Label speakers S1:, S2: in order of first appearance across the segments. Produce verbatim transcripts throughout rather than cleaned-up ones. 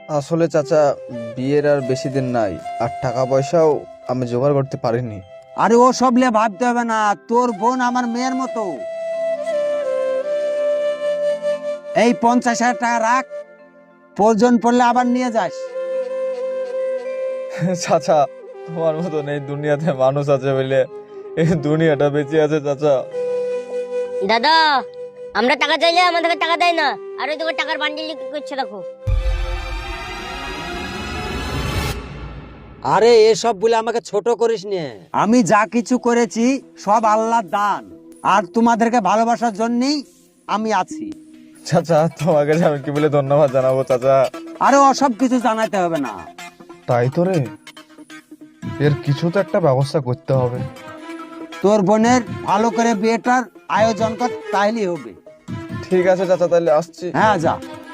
S1: আসলে চাচা, বিয়ের আর বেশি দিন নাই, আর টাকা পয়সাও আমি জোগাড় করতে পারিনি।
S2: আরে ও সব নিয়ে ভাবতে হবে না, তোর বোন আমার মেয়ের মতো। এই পঞ্চাশ হাজার টাকা রাখ, প্রয়োজন পড়লে আবার নিয়ে যাস।
S1: চাচা, তোমার মতন এই দুনিয়াতে মানুষ আছে বলে এই দুনিয়াটা বেঁচে আছে চাচা।
S3: দাদা, আমরা টাকা চাইলে আমাদেরকে টাকা দেয় না, আর ওই তোকে টাকার বান্ডিল করছে দেখো।
S2: আরে এসব বলে আমাকে ছোট করিস নে। আমি যা কিছু করেছি সব আল্লাহর দান, আর তোমাদেরকে ভালোবাসার জন্যই আমি আছি।
S1: চাচা, তোমাকে যে আমি কি বলে ধন্যবাদ জানাবো চাচা।
S2: আরে ওসব কিছু জানাতে হবে না।
S1: তাই তো রে, এর কিছু তো একটা ব্যবস্থা করতে হবে।
S2: তোর বোনের ভালো করে বিয়েটার আয়োজন কর, তাইলেই হবে।
S1: ঠিক আছে চাচা, তাহলে আসছি।
S2: হ্যাঁ যা।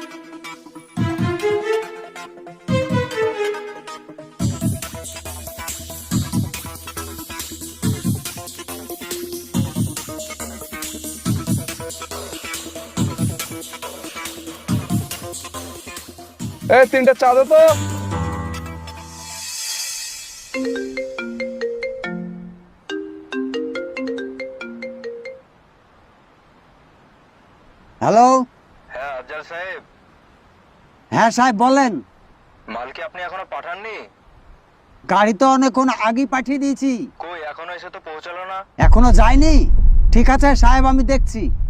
S1: এই তিনটা চা দে তো।
S2: হ্যালো।
S4: হ্যাঁ আফজাল সাহেব,
S2: হ্যাঁ সাহেব বলেন।
S4: মাল কি আপনি এখনো পাঠাননি?
S2: গাড়ি তো অনেকক্ষণ আগেই পাঠিয়ে দিয়েছি।
S4: কই এখনো এসে তো পৌঁছালো না।
S2: এখনো যায়নি? ঠিক আছে সাহেব, আমি দেখছি।